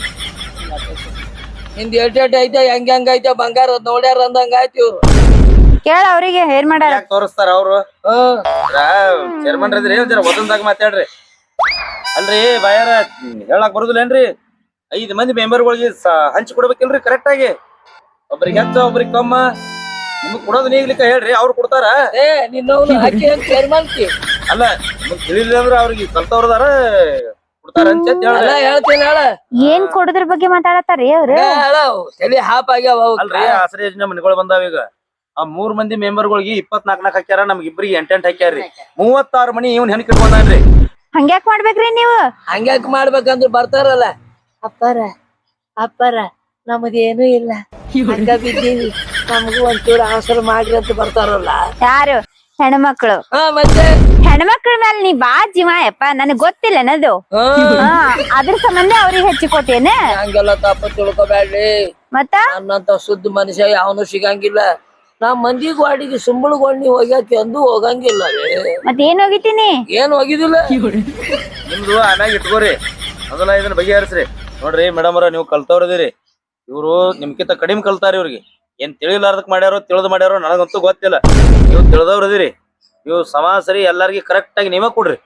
[SPEAKER 1] ನಿಂದ ಎಟ್ ಎಟ್ ಐತೆ ಹೆಂಗ್ ಹೆಂಗ್ ಐತೆ ಬಂಗಾರ ನೋಡ್ಯಾರ ಅಂದಂಗ ಆಯ್ತು ಇವ್ರು
[SPEAKER 2] ಕೇಳ ಅವ್ರಿಗೆ ಏನ್ ಮಾಡ್ಯಾರ
[SPEAKER 4] ತೋರಿಸ್ತಾರ ಅವ್ರು
[SPEAKER 1] ಹ್ಮ್
[SPEAKER 4] ಚೇರ್ಮನ್ ಇದ್ರಿ ಜರ ಒದಂದಾಗ ಮಾತಾಡ್ರಿ ಅಲ್ರಿ ಬಾಯಾರ ಹೇಳಕ್ ಬರುದಿಲ್ಲೇನ್ರಿ ಐದ್ ಮಂದಿ ಮೆಂಬರ್ಗಳಿಗೆ ಹಂಚಿ ಕೊಡ್ಬೇಕಿಲ್ರಿ ಕರೆಕ್ಟ್ ಆಗಿ ಒಬ್ರಿಗೆ ಹೆಚ್ಚ ಒಬ್ರಿಗೆ ಕಮ್ಮ ನಿಮಗ್ ಕೊಡೋದು ನೀಗ್ಲಿಕ್ಕ ಹೇಳ್ರಿ ಅವ್ರು ಕೊಡ್ತಾರ
[SPEAKER 1] ಏ ನಿನ್ನವನು ಹಾಕಿ ಚೇರ್ಮನ್ಕಿ
[SPEAKER 4] ಅಲ್ಲ ನಿಮಗ್ ತಿಳಿಲಿಲ್ಲ ಅಂದ್ರ ಅವ್ರಿಗೆ ಕಲ್ತವ್ರದಾರ ಕೊಡ್ತಾರ ಅಂತ
[SPEAKER 1] ಅಲ್ಲ
[SPEAKER 4] ಹೇಳ್ರಿ
[SPEAKER 1] ಹೇಳ್ತೀನಿ ಹೇಳ
[SPEAKER 2] ಏನ್ ಕೊಡೋದ್ರ ಬಗ್ಗೆ ಮಾತಾಡತಾರಿ ಅವ್ರು
[SPEAKER 1] ಹೇಳ ತಲೆ ಹಾಪ್ ಆಗ್ಯಾವ ಅವಕ್ಕ.
[SPEAKER 4] ಅಲ್ರಿ ಆಸರೆ ಯೋಜನೆ ಮನೆಗಳು ಬಂದಾವ ಈಗ ಆ ಮೂರ್ ಮಂದಿ ಮೆಂಬರ್ಗಳಿಗೆ ಇಪ್ಪತ್ನಾಲ್ಕ ನಾಲ್ಕು ಹಾಕ್ಯಾರ ನಮ್ಗೆ ಇಬ್ರಿಗೆ ಎಂಟೆಂಟ್ ಹಾಕ್ಯಾರ್ರಿ ಮೂವತ್ತಾರು ಮನಿ ಇವ್ನ ಹೆಣ್ ಕಿಟ್ಕೊಂಡ್ರಿ
[SPEAKER 2] ಹಂಗ್ಯಾಕ್ ಮಾಡ್ಬೇಕ್ರಿ ನೀವು
[SPEAKER 1] ಹಂಗ್ಯಾಕ್ ಮಾಡ್ಬೇಕಂದ್ರ ಬರ್ತಾರಲ್ಲ ಅಪ್ಪರ ಅಪ್ಪರ ನಮ್ದೇನು ಇಲ್ಲ ಹಂಗ ಬಿದ್ದೀವಿ ನಮಗೂ ಒಂಚೂರು ಆಸರ ಮಾಡ್ರಿ ಅಂತ ಬರ್ತಾರಲ್ಲ
[SPEAKER 2] ಯಾರು ಹೆಣ್ಮಕ್ಳು
[SPEAKER 1] ಹಾ ಮತ್ತೆ
[SPEAKER 2] ಹೆಣ್ಮಕ್ಳ ಮೇಲೆ ನೀ ಬಾ ಜೀವ ಯಪ್ಪ ನನಗ್ ಗೊತ್ತಿಲ್ಲ ಅನ್ನೋದು
[SPEAKER 1] ಹಾ
[SPEAKER 2] ಹಾ ಅದ್ರ ಸಂಬಂಧ ಅವ್ರಿಗೆ ಹೆಚ್ಚಿ ಕೊಟ್ಟೇನೆ
[SPEAKER 1] ಹಂಗೆಲ್ಲ ತಪ್ಪ ತಿಳ್ಕೊಬ್ಯಾಡ್ರಿ
[SPEAKER 2] ಮತ್ತ
[SPEAKER 1] ನನ್ನಂತ ಶುದ್ಧ ಮನುಷ್ಯ ಯಾವನು ಸಿಗಂಗಿಲ್ಲ ನಾ ಮಂದಿ ಗಾಡಿಗೆ ಸುಂಬಳಗೊಂಡಿ ಹೋಗ್ಯಾಕ ಎಂದು ಹೋಗಂಗಿಲ್ಲ
[SPEAKER 2] ಮತ್ ಏನ್ ಹೋಗಿತೀನಿ
[SPEAKER 1] ಏನ್ ಹೋಗಿದಿಲ್ಲ
[SPEAKER 4] ನಿಮ್ದು ಆಮ್ಯಾಗ ಇಟ್ಕೋರಿ ಮೊದಲ ಇದನ್ನ ಬಗೆಹರಿಸ್ರಿ ನೋಡ್ರಿ ಮೇಡಮ್ ಅವ್ರ ನೀವು ಕಲ್ತವ್ರದಿರಿ ಇವ್ರು ನಿಮ್ಕಿಂತ ಕಡಿಮೆ ಕಲ್ತಾರ ಇವ್ರಿಗೆ ಏನ್ ತಿಳಿಲಾರ್ದಕ್ ಮಾಡ್ಯಾರೋ ತಿಳಿದ್ ಮಾಡ್ಯಾರೋ ನನಗಂತೂ ಗೊತ್ತಿಲ್ಲ ನೀವು ತಿಳಿದವ್ರದಿರಿ ನೀವು ಸಮಾಸರಿ ಎಲ್ಲಾರ್ಗಿ ಕರೆಕ್ಟ್ ಆಗಿ ನೀವೇ ಕೊಡ್ರಿ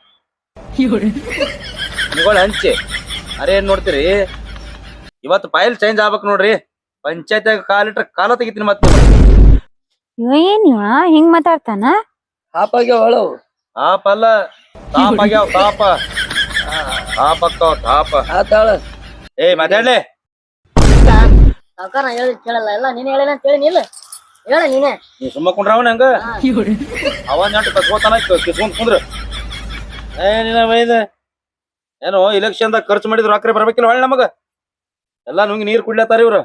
[SPEAKER 4] ನಿಗಳು ಹಂಚಿ ಅರೆ ಏನ್ ನೋಡ್ತೀರಿ ಇವತ್ತು ಫೈಲ್ ಚೇಂಜ್ ಆಗ್ಬೇಕು ನೋಡ್ರಿ ಪಂಚಾಯತ್ ಕಾಲಿಟ್ರ ಕಾಲ ತೆಗಿತೀನಿ ಮತ್ತೆ
[SPEAKER 2] ಇವ ಏನ್ ಇವ ಹಿಂಗ್ ಮಾತಾಡ್ತಾನ
[SPEAKER 1] ಹಾಪಾಗ್ಯ ಒಳವು
[SPEAKER 4] ತಾಪ ಅಲ್ಲ ತಾಪ ಆಗ್ಯಾವ ತಾಪ ತಾಪ ಅಕ್ಕಾವ ತಾಪ
[SPEAKER 1] ಆತಾಳ
[SPEAKER 4] ಏ ಮಾತಾಡ್ಲೆ
[SPEAKER 3] ಸಾವ್ಕಾರ ಹೇಳಿ ಕೇಳಲ್ಲ ಎಲ್ಲ ನೀನ್ ಹೇಳಿಲ್ಲ ಅಂತ ಹೇಳಿ ಇಲ್ಲ ಹೇಳ ನೀನೆ
[SPEAKER 4] ನೀ ಸುಮ್ಮ ಕುಂಡ್ರವನ ಹಂಗ ಅವನ್ ನೆಂಟು ಕಸ್ಕೋತಾನ ಕಿಸ್ಕೊಂಡ್ ಕುಂದ್ರ ಏನಿನ ಬೈದ ಏನು ಇಲೆಕ್ಷನ್ ದಾಗ ಖರ್ಚು ಮಾಡಿದ್ರು ಅಕ್ರೆ ಬರ್ಬೇಕಿಲ್ಲ ಹೊಳ್ಳಿ ನಮಗ ಎಲ್ಲಾ ನುಂಗಿ ನೀರ್ ಕುಡ್ಲತ್ತಾರ ಇವ್ರು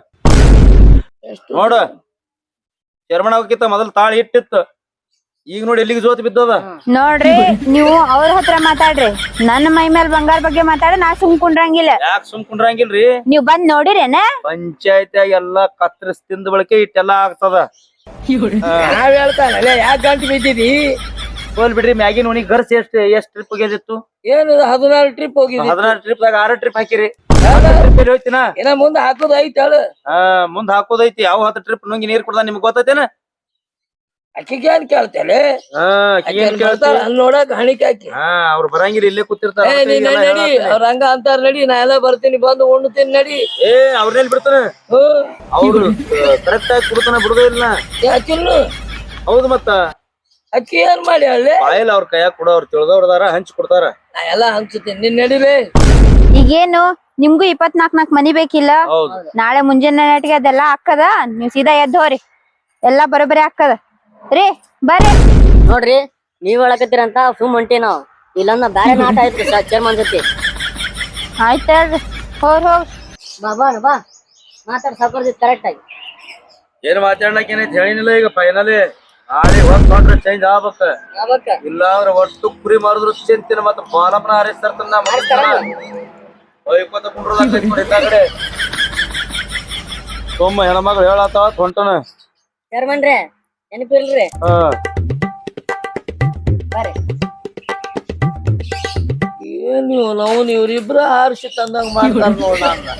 [SPEAKER 4] ನೋಡ ಚರ್ಮಣ ಹೋಗಿತ್ತ ಮೊದಲ್ ತಾಳಿ ಇಟ್ಟಿತ್ತು ಈಗ ನೋಡಿ ಎಲ್ಲಿಗೆ ಜೋತ್ ಬಿದ್ದದ
[SPEAKER 2] ನೋಡ್ರಿ ನೀವು ಅವ್ರ ಹತ್ರ ಮಾತಾಡ್ರಿ ನನ್ನ ಮೈ ಮೇಲ್ ಬಂಗಾರ ಬಗ್ಗೆ ಮಾತಾಡ ನಾ ಸುಮ್ ಕುಂಡ್ರಂಗಿಲ್ಲ
[SPEAKER 4] ಯಾಕೆ ಸುಮ್ ಕುಂಡ್ರಂಗಿಲ್ರಿ
[SPEAKER 2] ನೀವ್ ಬಂದ್ ನೋಡಿರೇನ
[SPEAKER 4] ಪಂಚಾಯತ್ಯಾಗ ಎಲ್ಲಾ ಕತ್ತರಿಸ್ ತಿಂದ ಬಳಕೆ ಇಟ್ಟೆಲ್ಲಾ ಆಗ್ತದ
[SPEAKER 1] ನಾವ್ ಹೇಳ್ತಾನಲ್ಲ ಯಾಕೆ ಗಂಟು ಬಿದ್ದಿದಿ
[SPEAKER 4] ಹೋಲ್ ಬಿಡ್ರಿ ಮ್ಯಾಗಿನ ಉಣಿ ಗರ್ಸ್ ಎಷ್ಟ್ ಎಷ್ಟ್ ಟ್ರಿಪ್ ಹೋಗ್ಯದಿತ್ತು
[SPEAKER 1] ಏನು ಹದಿನಾರು ಟ್ರಿಪ್ ಹೋಗಿದಿ
[SPEAKER 4] ಹದಿನಾರು ಟ್ರಿಪ್ ದಾಗ ಆರು ಟ್ರಿಪ್ ಹಾಕಿರಿ ಟ್ರಿಪ್ ಹೋಯ್ತಿನ
[SPEAKER 1] ಇನ್ನ ಮುಂದೆ ಹಾಕೋದು ಐತಿ ಹೇಳು
[SPEAKER 4] ಹಾ ಮುಂದ್ ಹಾಕೋದೈತಿ ಯಾವ ಹತ್ತು ಟ್ರಿಪ್ ನುಂಗಿ ನೀರ್ ಕುಡ್ದ ನಿಮ್ಗೆ ಗೊತ್ತೈತೇನ
[SPEAKER 1] ಅಕ್ಕಿಗೆ ಏನ್ ಕೇಳ್ತೇಲೆ
[SPEAKER 4] ಹಾ ಆಕಿ ಏನ್ ಕೇಳ್ತಾಳ
[SPEAKER 1] ಕೇಳ್ತಾಳ ಅಲ್ಲಿ ನೋಡಕ್ ಹಣಿಕೆ ಹಾಕಿ
[SPEAKER 4] ಹಾ ಅವ್ರು ಬರಂಗಿಲ್ಲ ಇಲ್ಲೇ ಕೂತಿರ್ತಾರ
[SPEAKER 1] ಏ ನೀನ್ ನಡಿ ಅವ್ರ ಹಂಗ ಅಂತಾರ ನಡಿ ನಾ ಎಲ್ಲ ಬರ್ತೀನಿ ಬಂದು ಉಣ್ತೀನಿ ನಡಿ
[SPEAKER 4] ಏ ಅವ್ರನ್ನೆಲ್ಲಿ ಬಿಡ್ತಾನ
[SPEAKER 1] ಹ್ಮ್
[SPEAKER 4] ಅವ್ರು ಕರೆಕ್ಟ್ ಆಗಿ ಕುಡ್ತಾನ ಬಿಡುದೇ ಇಲ್ಲ
[SPEAKER 1] ಯಾಕಿನ್ನು
[SPEAKER 4] ಹೌದು ಮತ್ತ
[SPEAKER 1] ಅಕ್ಕಿ ಏನ್ ಮಾಡಿ ಹೇಳಿ
[SPEAKER 4] ಬಾಯಿಲ್ ಅವ್ರ ಕೈಯಾಗ ಕೊಡ ಅವ್ರು ತಿಳಿದವ್ರದಾರ ಹಂಚ್ ಕೊಡ್ತಾರ
[SPEAKER 1] ನಾ ಎಲ್ಲ ಹಂಚ್ತೀನಿ ನಿನ್ ನಡಿಲೇ
[SPEAKER 2] ಈಗೇನು ನಿಮ್ಗೂ ಇಪ್ಪತ್ನಾಕ್ ನಾಕ್ ಮನಿ ಬೇಕಿಲ್ಲ
[SPEAKER 4] ಹೌದು
[SPEAKER 2] ನಾಳೆ ಮುಂಜಾನೆ ನಾಟಿಗೆ ಅದೆಲ್ಲ ಹಾಕದ ನೀವ್ ಸೀದಾ ಎದ್ದು ಹೋರಿ ಎಲ್ಲಾ ಬರೋಬ್ಬರಿ ಹಾಕದ ರೀ ಬರ್ರಿ
[SPEAKER 3] ನೋಡ್ರಿ ನೀವ್ ಹೇಳಕತ್ತೀರಂತ ಸುಮ್ ಹೊಂಟಿ ನಾವ್ ಇಲ್ಲಂದ ಬ್ಯಾರೆ ನಾಟ ಆಯ್ತು ಚೇರ್ಮನ್ ಜೊತೆ
[SPEAKER 2] ಆಯ್ತ ಹೇಳ್ರಿ ಹೋರ್ ಹೋಗ್
[SPEAKER 3] ಬಾ ಬಾ ಬಾ ಮಾತಾಡ್ ಸಾವ್ಕಾರ ಜೊತೆ ಕರೆಕ್ಟ್ ಆಗಿ
[SPEAKER 4] ಏನ್ ಮಾತಾಡ್ಲಕ್ ಏನೈತಿ ಹೇಳಿನಿಲ್ಲ ಈಗ ಫೈನಲಿ ನಾಳೆ ಹೊತ್ತು ನೋಡ್ರಿ ಚೇಂಜ್ ಆಗ್ಬೇಕ
[SPEAKER 3] ಯಾವಕ್ಕ
[SPEAKER 4] ಇಲ್ಲ ಅಂದ್ರೆ ಒಟ್ಟು ಕುರಿ ಮಾರಿದ್ರು ಚಿಂತಿನ ಮತ್ತ ಬಾಲಪ್ಪನ ಹಾರಿಸ್ತಾರ ಒಯ್ಕೋತ ಕುಂಡ್ರದಾಗ ಕಡೆ ಸೋಮ ಹೆಣ್ಮಗಳು ಹೇಳತ್ತಾವ ಹೊಂಟನ
[SPEAKER 3] ಚೇರ್ಮನ್ರೇ ನೆನಪಿಲ್ರಿ
[SPEAKER 4] ಹಾ
[SPEAKER 3] ಬರ್ರಿ
[SPEAKER 1] ಏನ್ ನೀವು ನಾವು ಇವ್ರಿಬ್ರ ಹಾರಿಸಿ ತಂದಂಗ ಮಾಡ್ತಾರ ನೋಡ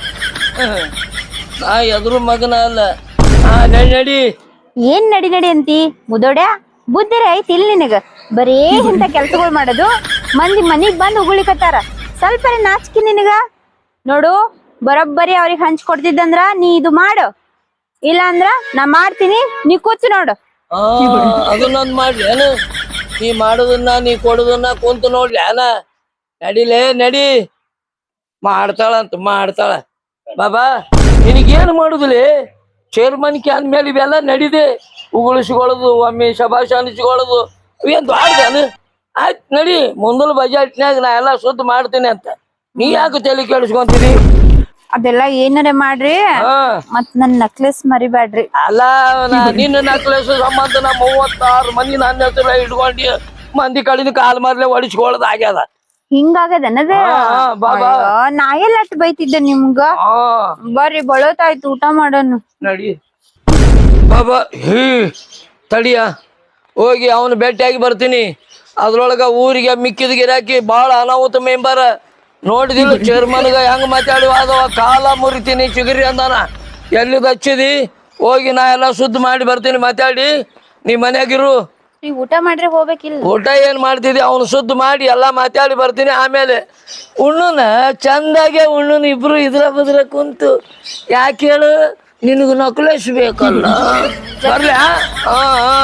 [SPEAKER 1] ನಾ ಎದ್ರು ಮಗನ ಅಲ್ಲ ಹಾ ನಡಿ ನಡಿ
[SPEAKER 2] ಏನ್ ನಡಿ ನಡಿ ಅಂತಿ ಮುದೋಡ್ಯಾ ಬುದ್ಧಿರ ಐತಿ ಇಲ್ಲಿ ನಿನಗ ಬರೇ ಇಂತ ಕೆಲ್ಸಗಳು ಮಾಡೋದು ಮಂದಿ ಮನಿಗ್ ಬಂದ್ ಉಗುಳಿಕತ್ತಾರ ಸ್ವಲ್ಪ ನಾಚಿಕೆ ನಿನಗ ನೋಡು ಬರೋಬ್ಬರಿ ಅವ್ರಿಗೆ ಹಂಚ್ ಕೊಡ್ತಿದ್ದಂದ್ರ ನೀ ಇದು ಮಾಡು ಇಲ್ಲ ಅಂದ್ರ ನಾ ಮಾಡ್ತೀನಿ ನೀ ಕೂತು ನೋಡು
[SPEAKER 1] ಆ ಅದನ್ನೊಂದ್ ಮಾಡ್ಲಿ ಏನ ನೀ ಮಾಡೋದನ್ನ ನೀ ಕೊಡೋದನ್ನ ಕುಂತು ನೋಡ್ಲಿ ಅನ ನಡಿಲೇ ನಡಿ ಮಾಡ್ತಾಳಂತ ಮಾಡ್ತಾಳ ಬಾಬಾ ನಿನಗೇನು ಮಾಡುದಿಲ್ಲ ಚೇರ್ಮನ್ ಕ್ಯಾನ್ ಮೇಲೆ ಇವೆಲ್ಲ ನಡಿದೆ ಉಗುಳಿಸ್ಕೊಳ್ಳೋದು ಒಮ್ಮೆ ಶಬಾಷ್ ಅನಿಸ್ಕೊಳ್ಳೋದು ಇವೇನ್ ದೊಡ್ಡದಾನು ಆಯ್ತು ನಡಿ ಮುಂದಲ ಬಜೆಟ್ನ್ಯಾಗ ನಾ ಎಲ್ಲ ಸುದ್ದಿ ಮಾಡ್ತೀನಿ ಅಂತ ನೀ ಯಾಕೆ ತಲೆ ಕೇಳಿಸ್ಕೊಂತೀರಿ
[SPEAKER 2] ಅದೆಲ್ಲ ಏನಾರ ಮಾಡ್ರಿ
[SPEAKER 1] ಹಾ
[SPEAKER 2] ಮತ್ ನನ್ ನಕ್ಲೆಸ್ ಮರಿಬ್ಯಾಡ್ರಿ.
[SPEAKER 1] ಅಲ್ಲ ನಾ- ನಿನ್ನ ನಕ್ಲೆಸ್ ಸಂಬಂಧ ನಾ ಮೂವತ್ತಾರು ಮಂದಿ ನನ್ನ ಹೆಸರ ಇಟ್ಕೊಂಡು ಮಂದಿ ಕಡಿನ ಕಾಲ್ ಮಾರ್ಲೆ ಹೊಡಿಸ್ಕೊಳ್ಳೋದು ಆಗ್ಯದ.
[SPEAKER 2] ಹಿಂಗಾಗದನದ
[SPEAKER 1] ಹಾ, ಹಾ, ಬಾ, ಬಾ.
[SPEAKER 2] ನಾ ಎಲ್ಲ ಅಟ್ ಬೈತಿದ್ದೆ ನಿಮ್ಗ.
[SPEAKER 1] ಹಾ
[SPEAKER 2] ಬರ್ರಿ ಬಳೋತಾಯ್ತು ಊಟ ಮಾಡೋನು.
[SPEAKER 1] ನಡಿ ಬಾಬಾ ಹೀ ತಡಿಯ ಹೋಗಿ ಅವನು ಭೇಟಿಯಾಗಿ ಬರ್ತೀನಿ. ಅದ್ರೊಳಗ ಊರಿಗೆ ಮಿಕ್ಕಿದ ಗಿರಾಕಿ ಭಾಳ ಅನಾಹುತ ಮೆಂಬರ್ ನೋಡಿದಿಲ್ಲ ಚೇರ್ಮನ್ಗ ಹೆಂಗ್ ಮಾತಾಡಿ ಅದವ ಕಾಲ ಮುರಿತೀನಿ ಚಿಗುರಿ ಅಂದಾನ. ಎಲ್ಲಿದ್ ಹಚ್ಚಿದಿ ಹೋಗಿ ನಾ ಎಲ್ಲ ಶುದ್ಧ ಮಾಡಿ ಬರ್ತೀನಿ ಮಾತಾಡಿ. ನೀ ಮನ್ಯಾಗಿರು.
[SPEAKER 2] ನೀವ್ ಊಟ ಮಾಡ್ರಿ ಹೋಗ್ಬೇಕಿಲ್ಲ.
[SPEAKER 1] ಊಟ ಏನ್ ಮಾಡ್ತಿದ್ದಿ ಅವನು ಶುದ್ಧ ಮಾಡಿ ಎಲ್ಲಾ ಮಾತಾಡಿ ಬರ್ತೀನಿ. ಆಮೇಲೆ ಉಣ್ಣುನ ಚಂದಾಗೆ ಉಣ್ಣುನ ಇಬ್ರು ಇದ್ರ ಬದ್ರ ಕುಂತು. ಯಾಕೆ ಹೇಳು ನಿನಗೂ ನಕ್ಲೇಸ್ ಬೇಕಲ್ಲ. ಬರ್ಲಿ ಹಾ ಹಾ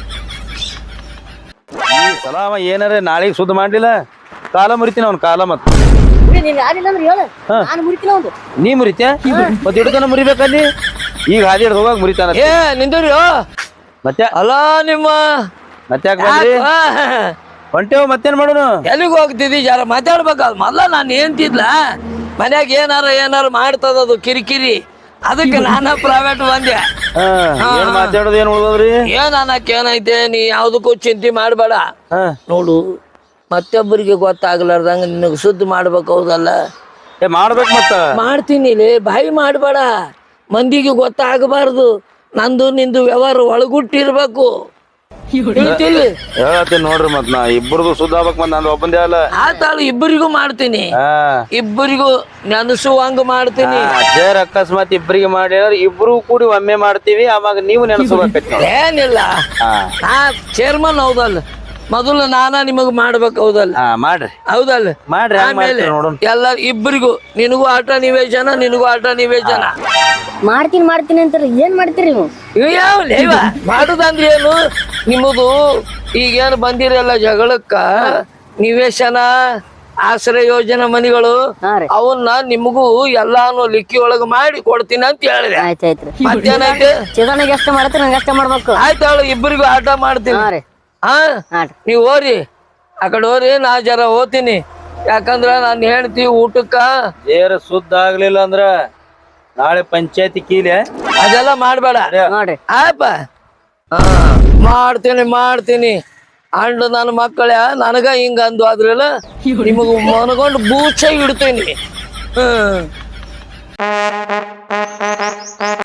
[SPEAKER 4] ಈ ಸಲ ಅವ ಏನಾರ ನಾಳೆಗೆ ಸುದ್ದ ಮಾಡ್ಲಿಲ್ಲ ಕಾಲ ಮುರಿತೀನಿ ಅವ್ನ ಕಾಲ ಮತ್
[SPEAKER 3] ನೀನ್ ಯಾರಿಲ್ಲ ಅಂದ್ರೆ ಹೇಳ ನಾನು ಮುರಿತೀನಿ ಒಂದು.
[SPEAKER 4] ನೀ ಮುರಿತ್ಯಾ ಮತ್ ಹಿಡ್ತಾನ ಮುರಿಬೇಕಲ್ಲಿ ಈಗ ಹಾದಿ ಹಿಡ್ದು ಹೋಗಾಗ ಮುರಿತಾನ
[SPEAKER 1] ಏ ನಿಂದ್ರಿ
[SPEAKER 4] ಮತ್ತೆ
[SPEAKER 1] ಅಲ್ಲ ನಿಮ್ಮ
[SPEAKER 4] ಮತ್ತೆ ಯಾಕೆ ಬಂದ್ರಿ ಹೊಂಟೇವ್ ಮತ್ತೇನ್ ಮಾಡೋನು
[SPEAKER 1] ಎಲ್ಲಿಗೆ ಹೋಗ್ತಿದ್ದಿ ಜರ ಮಾತಾಡ್ಬೇಕಲ್ಲ. ಮೊದ್ಲ ನಾನು ಏನ್ತಿದ್ಲ ಮನ್ಯಾಗ ಏನಾರ ಏನಾರ ಮಾಡ್ತದದು ಕಿರಿಕಿರಿ. ಅದಕ್ಕೆ ನಾನ ಪ್ರೈವೇಟ್ ಬಂದೆ.
[SPEAKER 4] ಹಾ ಏನ್ ಮಾತಾಡೋದು ಏನ್ ಉಳ್ದದ್ರಿ
[SPEAKER 1] ಏನ್ ಅನ್ನಕ್ ಏನೈತೆ ನೀ ಯಾವ್ದಕ್ಕೂ ಚಿಂತೆ ಮಾಡ್ಬೇಡ.
[SPEAKER 4] ಹಾ
[SPEAKER 1] ನೋಡು ಮತ್ತೊಬ್ಬರಿಗೆ ಗೊತ್ತಾಗ್ಲಾರ್ದಂಗ ನಿನಗೆ ಶುದ್ಧ ಮಾಡ್ಬೇಕು ಹೌದಲ್ಲ.
[SPEAKER 4] ಏ ಮಾಡ್ಬೇಕು ಮತ್ತ
[SPEAKER 1] ಮಾಡ್ತೀನಿ ಲೇ ಬಾಯಿ ಮಾಡ್ಬೇಡ. ಮಂದಿಗೆ ಗೊತ್ತಾಗಬಾರ್ದು. ನಂದು ನಿಂದು ವ್ಯವಹಾರ ಒಳಗುಟ್ಟಿರ್ಬೇಕು. ಹೇಳ್ತಿಲ್ಲ
[SPEAKER 4] ಹೇಳತ್ತೀನಿ ನೋಡ್ರಿ ಮತ್ ನಾ ಇಬ್ಬರದು ಸುದ್ದ ಆಗ್ಬೇಕ್ ಮತ್ ನಂದು ಒಬ್ಬಂದೇ ಅಲ್ಲ.
[SPEAKER 1] ಆತಾಳು ಇಬ್ಬರಿಗೂ ಮಾಡ್ತೀನಿ.
[SPEAKER 4] ಹಾ
[SPEAKER 1] ಇಬ್ಬರಿಗೂ ನೆನಸುವಂಗ ಮಾಡ್ತೀನಿ.
[SPEAKER 4] ಅಜ್ಜರ್ ಅಕಸ್ಮಾತ್ ಇಬ್ಬರಿಗೆ ಮಾಡಿ ಇಬ್ರು ಕೂಡಿ ಒಮ್ಮೆ ಮಾಡ್ತೀವಿ ಅವಾಗ ನೀವು ನೆನಸ್ಕೋಬೇಕೈತಿ ನೋಡಿ.
[SPEAKER 1] ಏನಿಲ್ಲ
[SPEAKER 4] ಹಾ
[SPEAKER 1] ನಾ ಚೇರ್ಮನ್ ಹೌದಲ್ಲ ಮೊದಲು ನಾನ ನಿಮಗ್ ಮಾಡ್ಬೇಕು ಹೌದಲ್ಲ.
[SPEAKER 4] ಹಾ ಮಾಡ್ರಿ
[SPEAKER 1] ಹೌದಲ್ಲ
[SPEAKER 4] ಮಾಡ್ರಿ ಹಂಗ್
[SPEAKER 1] ಆಮೇಲೆ
[SPEAKER 4] ಮಾಡ್ತೀರಿ ನೋಡೋಣ.
[SPEAKER 1] ಎಲ್ಲ ಇಬ್ಬರಿಗೂ ನಿನಗೂ ಆಟ ನಿವೇಶನ ನಿನಗೂ ಆಟ ನಿವೇಶನ.
[SPEAKER 3] ಮಾಡ್ತೀನಿ ಮಾಡ್ತೀನಿ ಅಂತಾರೆ ಏನ್ ಮಾಡ್ತೀರಿ ನೀವು?
[SPEAKER 1] ಇವ್ ಯಾವ ಲೇವ ಮಾಡುದಂದ್ರೆ ಏನು ನಿಮ್ಮದು ಈಗೇನು ಬಂದಿರಲ್ಲ ಜಗಳಕ್ಕ ನಿವೇಶನ ಆಶ್ರಯ ಯೋಜನೆ ಮನಿಗಳು
[SPEAKER 3] ಹಾ ರೀ
[SPEAKER 1] ಅವನ್ನ ನಿಮಗೂ ಎಲ್ಲಾನು ಲಿಕ್ಕಿ ಒಳಗ ಮಾಡಿ ಕೊಡ್ತೀನಿ ಅಂತ ಹೇಳಿದೆ.
[SPEAKER 3] ಆಯ್ತಾಯ್ತ್ರಿ.
[SPEAKER 1] ಮತ್ತೇನೈತೆ
[SPEAKER 3] ಚಿದಾನಾಗ ಎಷ್ಟ ಮಾಡ್ತೀರಿ ನಂಗೆ ಅಷ್ಟ ಮಾಡ್ಬೇಕು.
[SPEAKER 1] ಆಯ್ತಾಳು ಇಬ್ಬರಿಗೂ ಆಟ ಮಾಡ್ತೀನಿ.
[SPEAKER 3] ಹಾ ರೀ
[SPEAKER 1] ಹಾ
[SPEAKER 3] ಹಾ ರೀ
[SPEAKER 1] ನೀವ್ ಹೋರಿ ಆ ಕಡೆ ಹೋರಿ ನಾ ಜರ ಹೋಗ್ತೀನಿ. ಯಾಕಂದ್ರ ನಾನು ಹೇಳ್ತಿ ಊಟಕ್ಕ
[SPEAKER 4] ಏರ ಸುದ್ದ ಆಗ್ಲಿಲ್ಲ ಅಂದ್ರ ನಾಳೆ ಪಂಚಾಯತಿ ಕೀಲೆ
[SPEAKER 1] ಅದೆಲ್ಲ ಮಾಡ್ಬೇಡ
[SPEAKER 3] ನೋಡ್ರಿ.
[SPEAKER 1] ಆಯಪ್ಪ ಹಾ ಮಾಡ್ತೀನಿ ಮಾಡ್ತೀನಿ ಅಂಡ್ ನನ್ನ ಮಕ್ಕಳ ನನಗ ಹಿಂಗ ಅಂದು ಆದ್ರಲ್ಲ ನಿಮಗ ಮನಗೊಂಡು ಬೂಚ ಇಡ್ತೀನಿ. ಹ್ಮ್